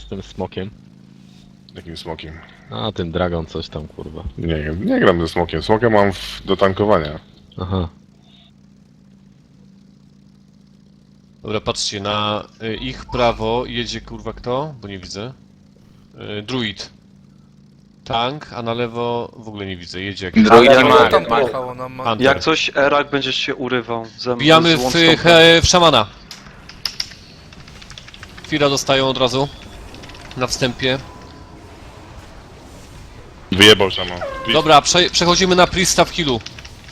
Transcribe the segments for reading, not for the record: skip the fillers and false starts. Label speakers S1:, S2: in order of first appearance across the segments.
S1: tym smokiem?
S2: Jakim smokiem?
S1: A, tym Dragon coś tam, kurwa.
S2: Nie wiem, nie gram ze smokiem. Smoka mam do tankowania.
S1: Aha.
S3: Dobra, patrzcie, na ich prawo jedzie kurwa kto? Bo nie widzę. Druid. Tank, a na lewo w ogóle nie widzę, jedzie jakiś...
S4: Druid
S5: Ale
S4: i
S5: to
S4: Marek.
S5: tam pojechało nam.
S3: Hunter.
S6: Jak coś, Erak będziesz się urywał.
S3: Bijamy w szamana. Fira dostają od razu. Na wstępie.
S2: Wyjebał szaman.
S3: Dobra, przechodzimy na Priesta w healu.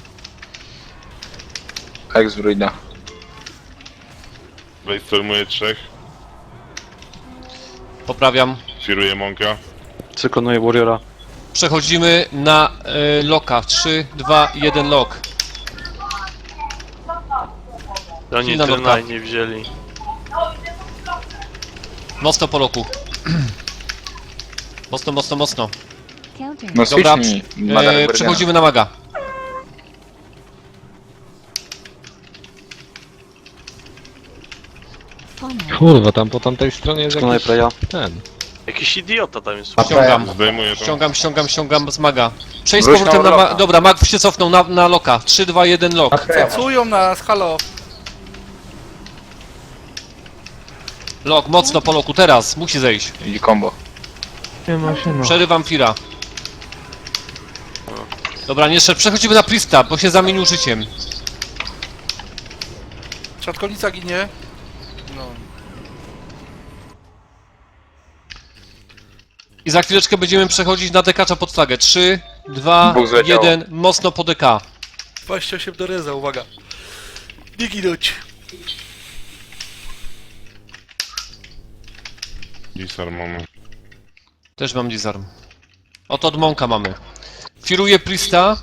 S4: Hex druida.
S2: Brainstormuje 3.
S3: Poprawiam.
S2: Firuje Monka.
S6: Cyklonuje Warriora.
S3: Przechodzimy na loka. 3, 2, 1 lock.
S7: Oni
S3: Chwila,
S7: tyle
S3: dobra.
S7: nie wzięli.
S3: Mocno po loku. Mocno, mocno, mocno.
S4: No
S3: Dobra,
S4: switchnij. Maga Guardiana.
S3: przechodzimy na maga.
S1: Kurwa, tam po tamtej stronie jest
S6: Cyklonuje
S1: jakiś...
S6: Preya.
S1: ten.
S7: Jakiś idiota tam jest.
S3: Ściągam.
S2: Zdejmuje to.
S3: Ściągam z maga. Przejdź z
S4: Wróć
S3: powrotem
S4: na
S3: na
S4: loka.
S3: Dobra, mag się cofnął na loka. 3, 2, 1 lock.
S5: Pracują nas, halo.
S3: Lock, mocno po loku, teraz. Musi zejść.
S4: I combo.
S3: Przerywam Fira. Dobra, nie szedł. Przechodzimy na Priesta, bo się zamienił życiem.
S5: Szatkonica ginie. No.
S3: I za chwileczkę będziemy przechodzić na dekacza pod flagę. 3, 2,
S4: Dwóch zleciało.
S3: 1, mocno po DK.
S5: 28 do reza, uwaga. Nie ginąć.
S2: Disarm mamy.
S3: Też mam disarm. Oto od Monka mamy. Firuję Priesta.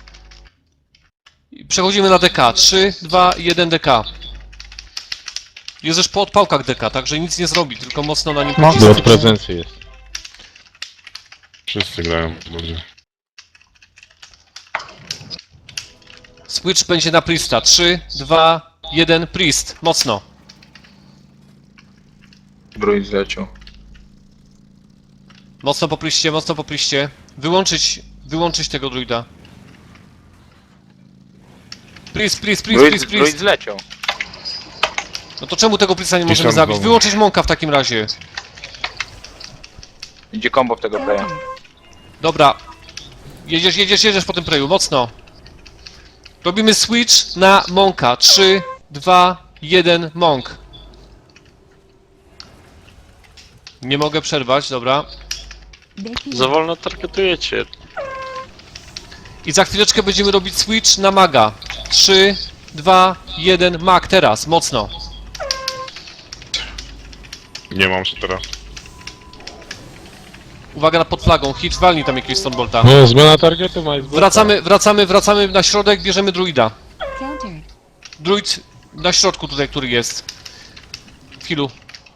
S3: I przechodzimy na DK. 3, 2, 1 DK. Jest już po odpałkach DK, także nic nie zrobi, tylko mocno na nim
S1: Bo od
S3: pocisnąć.
S1: prezencji jest.
S2: Wszyscy grają dobrze.
S3: Switch będzie na Priesta. 3, 2, 1 Priest. Mocno.
S4: Druid zleciał.
S3: Mocno po Priestie, mocno po Priestie. Wyłączyć tego druida. Priest.
S4: Druid zleciał.
S3: No to czemu tego Priesta nie możemy
S2: Disarm
S3: zabić?
S2: znowu.
S3: Wyłączyć Monka w takim razie.
S4: Idzie combo w tego playa.
S3: Dobra. Jedziesz po tym preju, mocno. Robimy switch na Monka. 3, 2, 1 Monk. Nie mogę przerwać, dobra.
S7: Za wolno targetujecie.
S3: I za chwileczkę będziemy robić switch na maga. 3, 2, 1 mag teraz, mocno.
S2: Nie mam się teraz.
S3: Uwaga na pod flagą, Hitch walnij tam jakiegoś Stonebolta.
S1: No, zmiana targetu ma jest...
S3: Wracamy na środek, bierzemy druida. Druid na środku tutaj, który jest. W healu.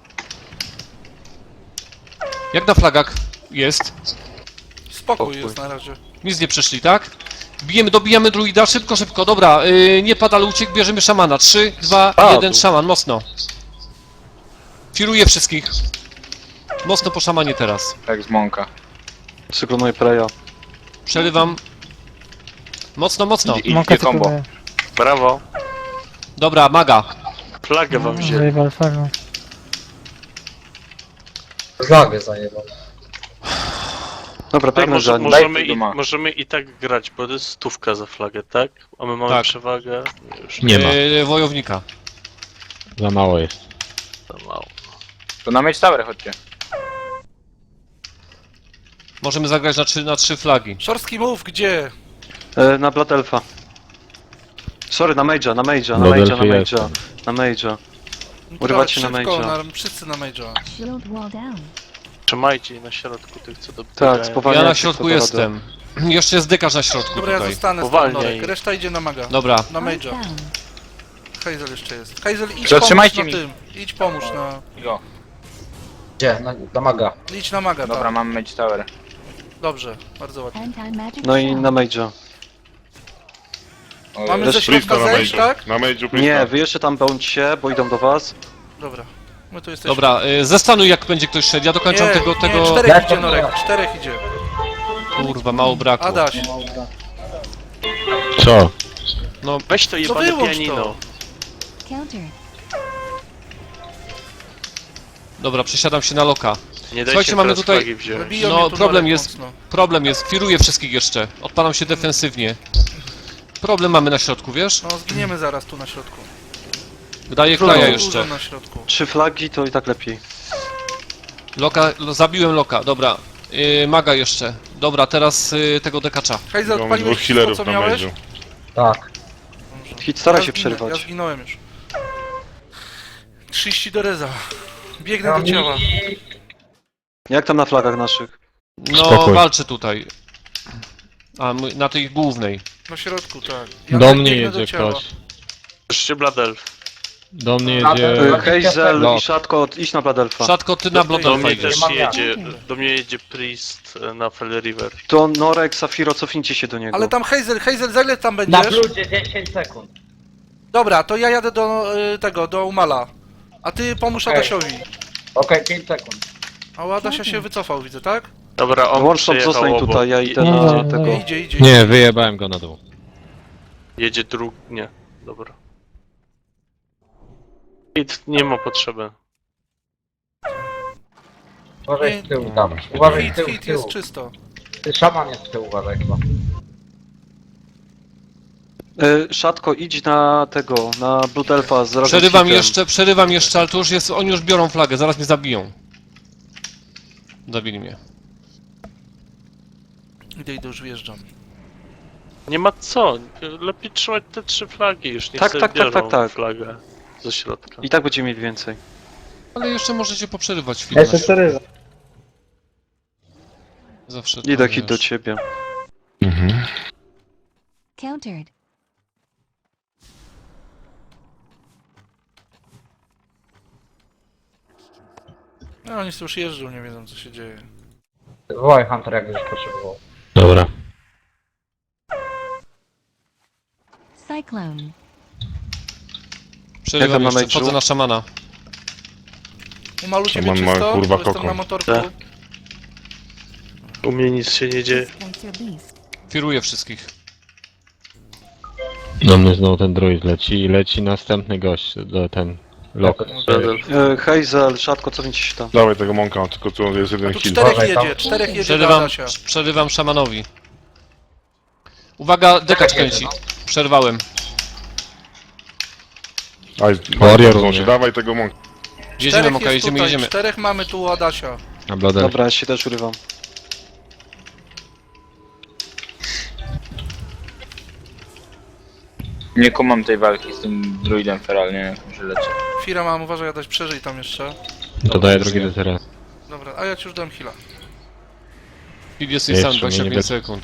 S3: Jak na flagach jest?
S5: Spokój jest na razie.
S3: Nic nie przeszli, tak? Dobijamy druida, szybko, dobra, nie pada, ale uciekł, bierzemy szamana. 3, 2, 1, szaman, mocno. Firuję wszystkich. Mocno po szamanie teraz.
S4: Hex Monka.
S6: Cyklonuje Preya.
S3: Przerywam. Mocno.
S4: Idzie combo.
S7: Brawo.
S3: Dobra, maga.
S7: Flagę wam wzięli.
S8: Flagę zajebał.
S6: Dobra,
S7: A
S6: biegnę za nim.
S7: możemy i tak grać, bo to jest stówka za flagę, tak? A my mamy
S3: Tak.
S7: przewagę. Już
S1: Nie ma.
S3: Wojownika.
S1: Za mało jest.
S7: za mało.
S4: To na Mage Tower chodźcie.
S3: Możemy zagrać na 3 flagi.
S5: Szorstki move, gdzie?
S6: Na Blood Elfa. Sorry, na Mage'a.
S1: jestem.
S6: Na Mage'a.
S5: No
S6: Urywać się na
S5: szybko,
S6: mage'a.
S5: wszyscy na mage'a.
S7: Trzymajcie na środku tych, co do
S6: Tak, spowalniać.
S3: Ja na
S6: jak
S3: środku
S6: to
S3: jestem. Jeszcze jest dekarz na środku
S5: Dobra, ja
S3: tutaj.
S5: zostanę z
S7: Powalniej.
S5: Pandorek, reszta idzie na maga.
S3: Dobra.
S5: Na mage'a. Hazel jeszcze jest. Hazel, idź
S4: Zatrzymajcie
S5: pomóż na
S4: mi.
S5: tym. Idź pomóż na...
S4: Go.
S8: Gdzie? Na maga.
S5: Idź na maga,
S4: Dobra,
S5: tam.
S4: mam Mage Tower.
S5: Dobrze, bardzo ładnie.
S6: No i na Mage'a.
S5: Mamy
S6: Też
S5: ze środka
S2: Priesta na
S5: zejść,
S2: mage'u.
S5: tak?
S2: Na mage'u
S6: Nie,
S2: Priesta.
S6: wy jeszcze tam bądźcie, bo idą do was.
S5: Dobra. My tu jesteśmy.
S3: Dobra, zestanuj jak będzie ktoś szedł, ja dokończam
S5: Nie,
S3: tego...
S5: nie, czterech
S8: Jak
S5: idzie
S8: to
S5: Norek,
S8: było?
S5: czterech idzie.
S3: Kurwa, mało brakło.
S5: Adaś,
S1: Co?
S3: No,
S7: Weź to jebane
S5: wyłącz
S7: pianino.
S5: to.
S9: Counter.
S3: dobra, przesiadam się na loka.
S7: Nie dajcie
S3: Słuchajcie, mamy
S7: teraz
S3: tutaj-
S7: flagi wziąć.
S5: Biją
S3: No,
S5: mnie tu
S3: problem
S5: Norek
S3: jest-
S5: mocno.
S3: Problem jest, firuję wszystkich jeszcze. Odpalam się defensywnie. Problem mamy na środku, wiesz?
S5: No, zginiemy zaraz tu na środku.
S3: Daję
S6: Trudno.
S3: kraja
S5: Dużo
S3: jeszcze.
S5: na środku.
S6: 3 flagi to i tak lepiej.
S3: Loka, zabiłem loka, dobra. Maga jeszcze. Dobra, teraz tego dekacza.
S5: Hejzel,
S2: Mamy
S5: odpaliłeś
S2: dwóch
S5: wszystko,
S2: healerów
S5: co
S2: na
S5: miałeś?
S2: mężu.
S8: Tak.
S6: Hit stara
S5: Ja
S6: się
S5: zginę-
S6: przerywać.
S5: Ja zginąłem już. 30 do reza. Biegnę
S8: Ja
S5: do ciała.
S6: Jak tam na flagach naszych?
S3: No,
S1: Spokój.
S3: walczę tutaj. A, na tej głównej.
S5: Na środku, tak.
S1: Do mnie
S5: biegnę do
S1: jedzie
S5: ciała.
S1: ktoś.
S7: Jeszcze Bladelf.
S1: Do mnie
S8: A,
S1: jedzie...
S6: Hazel
S1: Lok.
S6: i Szatko, idź na Bladelfa.
S3: Szatko, ty na
S7: Do
S3: Blodelfa
S7: mnie
S3: idziesz.
S7: też
S8: Mam
S7: jedzie, do mnie jedzie Priest na Fell River.
S6: To Norek, Safiro, cofnijcie się do niego.
S5: Ale tam Hazel, za ile tam
S8: Na
S5: będziesz?
S8: bludzie 10 sekund.
S5: Dobra, to ja jadę do tego, do Umala. A ty pomóż
S8: Okej.
S5: Adasiowi.
S8: Okej, 5 sekund.
S5: A u Adasia się wycofał, widzę, tak?
S7: Dobra, on
S6: Łączną
S7: przyjechał
S6: zostań
S7: obok.
S6: tutaj, ja idę
S1: Nie,
S6: na
S1: nie,
S6: tego.
S5: Idzie.
S1: Nie, wyjebałem go na dół.
S7: Jedzie nie, dobra. Hit nie ma potrzeby.
S8: Uważaj
S5: Nie.
S8: z tyłu tam. Uważaj z tyłu,
S5: Hit
S8: z tyłu.
S5: jest czysto.
S8: Szaman jest z tyłu, uważaj chyba.
S6: Szatko, idź na tego, na Bladelfa z razem z
S3: Przerywam jeszcze, ale to już jest, oni już biorą flagę, zaraz mnie zabiją. Zabili mnie.
S5: Idę, już wjeżdżam.
S7: Nie ma co, lepiej trzymać te 3 flagi już, niech
S6: Tak,
S7: sobie
S6: tak, tak,
S7: biorą
S6: tak.
S7: flagę ze środka.
S6: I tak będziemy mieli więcej.
S3: Ale jeszcze możecie poprzerywać chwilę.
S8: Jeszcze 4.
S3: Zawsze to,
S6: Idę hit do
S3: wiesz.
S6: ciebie.
S2: Mhm.
S9: Countered.
S5: No oni sobie już jeżdżą, nie wiedzą co się dzieje.
S8: Wołaj Hunter, jak już potrzebował.
S1: Dobra.
S9: Cyclone.
S3: Przerywam
S6: Jak tam na
S3: jeszcze, wchodzę
S6: meczu?
S3: na szamana.
S5: Umalu ciebie
S2: Szaman ma,
S5: czysto,
S2: kurwa,
S5: bo jestem
S2: kokon.
S5: na motorku.
S7: Tak. U mnie nic się nie dzieje.
S9: Dispenser beast.
S3: Firuję wszystkich.
S1: Do mnie znowu ten druid leci i leci następny gość, ten lok.
S7: Bladelf.
S6: Hazel, Szatko, cofnijcie się tam.
S2: Dawaj tego mąka, tylko tu jest jeden
S5: Tu
S2: heal.
S5: czterech
S8: Uważaj tam.
S5: jedzie, do Adasia.
S3: Przerywam szamanowi. Uwaga, dekacz kręci. Przerwałem.
S2: Aj,
S1: Warrior
S2: się.
S1: umie.
S2: Dawaj tego mąka.
S3: Jedziemy,
S5: Czterech
S3: Moka,
S5: jest
S3: jedziemy,
S5: tutaj,
S3: jedziemy.
S5: czterech mamy tu u Adasia.
S1: Na Bloodel.
S6: Dobra, ja się też urywam.
S4: Nie kumam tej walki z tym druidem feral, nie wiem jak może leci.
S5: Fira mam, uważaj Adaś, przeżyj tam jeszcze.
S1: To daję drugi deterent.
S5: Dobra, a ja ci już dam heal'a.
S3: Speed jest
S1: Jeszcze
S3: sam,
S1: mnie
S3: 25
S1: nie
S3: sekund.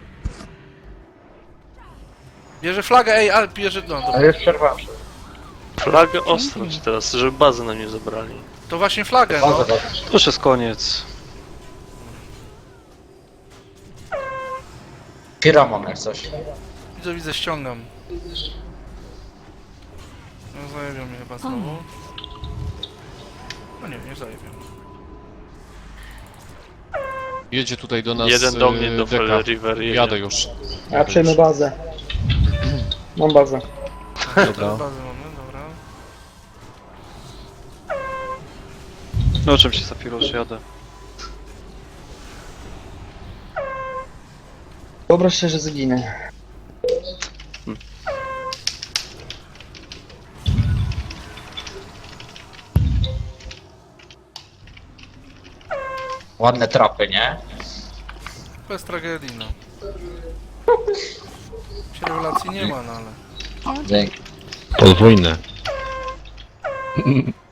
S5: Bierze flagę, ej, a bierze, no dobra.
S8: Ale już przerwałem.
S7: Flagę ostrać teraz, żeby bazę nam nie zabrali.
S5: To właśnie flagę, no.
S8: Bazę,
S6: To już jest koniec.
S8: Kiramon jak coś.
S5: Widzę, ściągam. No zajebią mnie chyba znowu. No nie zajebią.
S3: Jedzie tutaj do nas
S7: Jeden do mnie, do
S3: deka.
S7: Fell River jedzie.
S3: Jadę już.
S10: Ja przejmę bazę. Mam bazę.
S3: Dobra.
S5: Bazę mamy, dobra.
S6: No o czym się Safiro, że jadę.
S10: Wyobraź sobie, że zginę.
S8: Ładne trapy, nie?
S5: Bez tragedii, no. Się rewelacji nie ma, no ale...
S9: Countered.
S8: Dzięki.
S1: Podwójne.